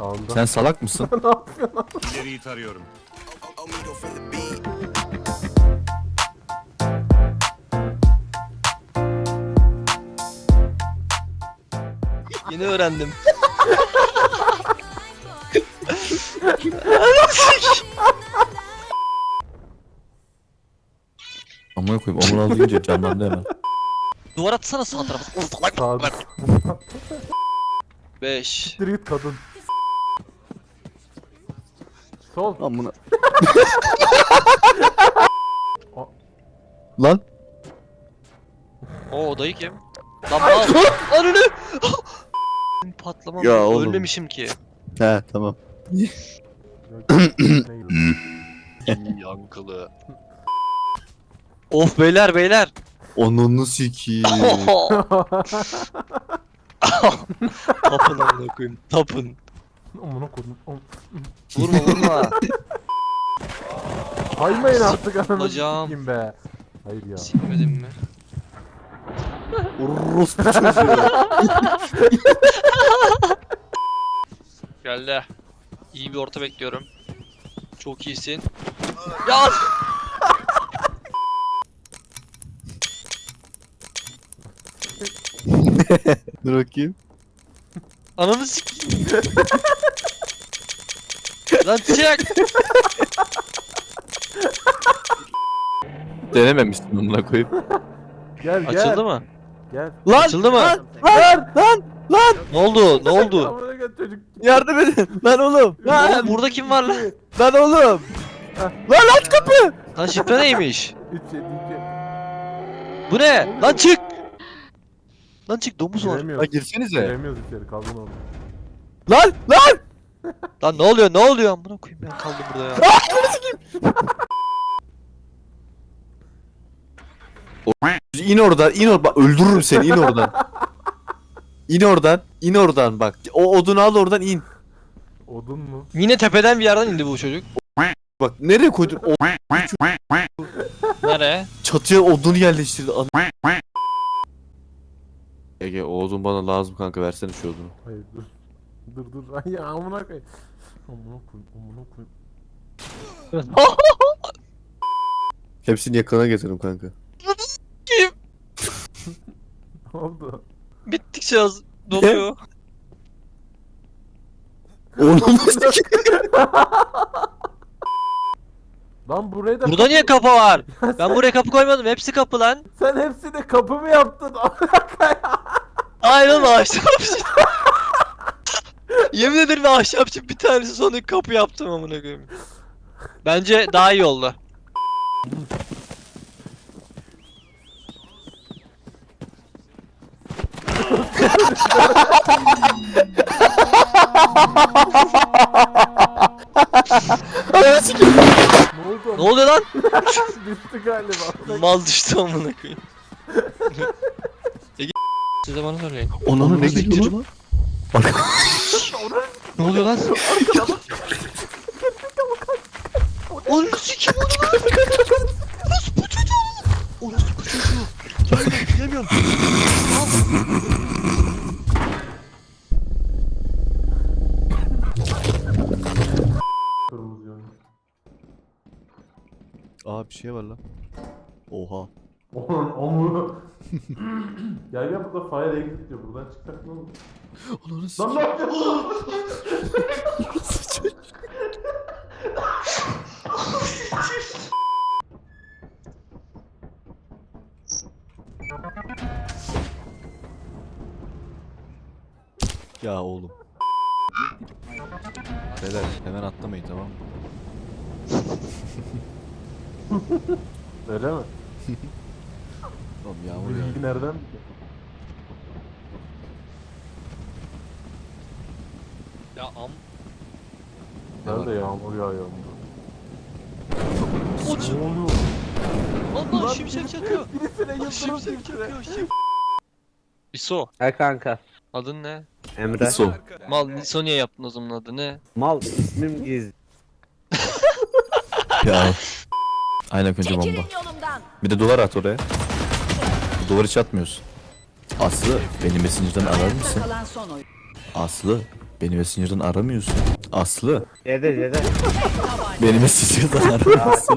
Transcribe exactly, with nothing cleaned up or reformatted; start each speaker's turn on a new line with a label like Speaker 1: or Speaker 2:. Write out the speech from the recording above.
Speaker 1: Sağında.
Speaker 2: Sen salak mısın?
Speaker 1: Ne yapıyorsun lan?
Speaker 3: İleriyi tarıyorum.
Speaker 4: Yeni öğrendim.
Speaker 2: Amına koyayım omur al deyince canlandı hemen.
Speaker 4: Duvar atsana sağ tarafa.
Speaker 1: Sağda.
Speaker 4: beş.
Speaker 1: Siktir git kadın. Sol.
Speaker 2: Amına.
Speaker 1: A-
Speaker 2: Lan.
Speaker 4: O odayı kim? Lan mal. Ananı. Patlamam.
Speaker 2: Ya oğlum.
Speaker 4: Ölmemişim ki.
Speaker 2: He tamam.
Speaker 4: Yankılı. Of beyler beyler.
Speaker 2: Onunu sikiyim.
Speaker 4: Tapın amına koyayım. Tapın.
Speaker 1: Amına koydum. Am-
Speaker 4: Vurma vurma.
Speaker 1: Saymayın artık ananı
Speaker 4: Hocam.
Speaker 1: sikeyim be. Hayır ya.
Speaker 4: Silmedim mi?
Speaker 2: Orospu çocuğu.
Speaker 4: Geldi. İyi bir orta bekliyorum. Çok iyisin. Ya!
Speaker 2: Dur bakayım.
Speaker 4: Ananı sikeyim. Lan çek!
Speaker 2: Denememişsin amına koyayım.
Speaker 1: Gel gel.
Speaker 4: Açıldı mı?
Speaker 1: Gel.
Speaker 2: Lan!
Speaker 4: Açıldı mı?
Speaker 2: Lan! Lan! Lan! Lan!
Speaker 4: Ne oldu? Ne oldu?
Speaker 1: Amına gel çocuk.
Speaker 2: Yardım edin! Lan oğlum! Lan!
Speaker 4: Oğlum burada kim var lan?
Speaker 2: Lan oğlum! Lan aç kapı!
Speaker 4: Lan şifre neymiş?
Speaker 1: üç yedi iki.
Speaker 4: Bu ne? Lan çık! Lan çık domuz var.
Speaker 2: Ha
Speaker 1: Giremiyoruz.
Speaker 2: girsenize.
Speaker 1: Giremiyoruz içeri kaldın orada.
Speaker 2: Lan! Lan!
Speaker 4: Lan ne oluyor? Ne oluyor? Amına koyayım ben kaldım burada ya.
Speaker 2: İn oradan, in oradan. Bak öldürürüm seni, in oradan. İn oradan, in oradan bak. O odunu al oradan in.
Speaker 1: Odun mu?
Speaker 4: Yine tepeden bir yerden indi bu çocuk.
Speaker 2: Bak nereye koydun? O
Speaker 4: Nereye?
Speaker 2: çatıya odunu yerleştirdi. An- Ege o odun bana lazım kanka, versene şu odunu.
Speaker 1: Hayır dur. Dur dur. Ay ya amına koy. Amına koy. Amına koy.
Speaker 2: Hepsini yakına getiririm kanka.
Speaker 4: Kim?
Speaker 1: Ne oldu?
Speaker 4: Bittikçe az doluyor.
Speaker 2: Oğlum
Speaker 1: Lan buraya da
Speaker 4: Burada niye kapı var? Ben buraya kapı koymadım. Hepsi kapı lan.
Speaker 1: sen hepsini kapı mı yaptın?
Speaker 4: Hayır oğlum ahşapçı. Yemin ederim ahşapçı bir tanesi sonra kapı yaptım amına koyayım. Bence daha iyi oldu.
Speaker 1: Ne oldu?
Speaker 4: Ne oluyor lan?
Speaker 1: Düştü galiba.
Speaker 4: Mal düştü amına koyayım. Ege siz de bana söyleyin.
Speaker 2: Onunu ne gidiyor lan?
Speaker 4: Ne oluyor lan? Onu sikim onu lan. Orası bu çocuğu. Orası bu çocuğu. Gelmiyorum gelmiyorum.
Speaker 1: Kırmızı yönü.
Speaker 2: Aa bir şey var lan. Oha.
Speaker 1: Onun omu. Gel gel burada fire exit diyor. Buradan çıkacak ne olur?
Speaker 2: Onunu
Speaker 1: Lan ne yapıyorsun?
Speaker 2: Ya oğlum. Beyler hemen atlamayın tamam mı?
Speaker 1: Öyle mi?
Speaker 2: Oğlum
Speaker 1: Bu
Speaker 2: yağmur ya.
Speaker 1: bilgi nereden bildi?
Speaker 4: Ya am.
Speaker 1: Nerede yağmur yağıyor?
Speaker 4: Oç.
Speaker 1: Ne oluyor?
Speaker 4: Allah şimşek çakıyor.
Speaker 1: Birisine
Speaker 4: Allah
Speaker 1: yıldırım
Speaker 4: şimşek
Speaker 1: düştü.
Speaker 4: çakıyor. Şim. İso.
Speaker 5: He kanka.
Speaker 4: Adın ne?
Speaker 5: Emre.
Speaker 2: Sol.
Speaker 4: Mal İso niye yaptın o zaman adı ne?
Speaker 5: Mal ismim Giz.
Speaker 2: Ya. Aynen önce bomba.
Speaker 6: Çekilin yolumdan.
Speaker 2: Bir de duvar at oraya. Duvarı hiç atmıyorsun. Aslı beni Messenger'dan arar
Speaker 6: Ayakta
Speaker 2: mısın?
Speaker 6: kalan son oyun.
Speaker 2: Aslı Beni Messenger'dan aramıyorsun. Aslı.
Speaker 4: Yedi yedi.
Speaker 2: Beni Messenger'dan aramıyorsun.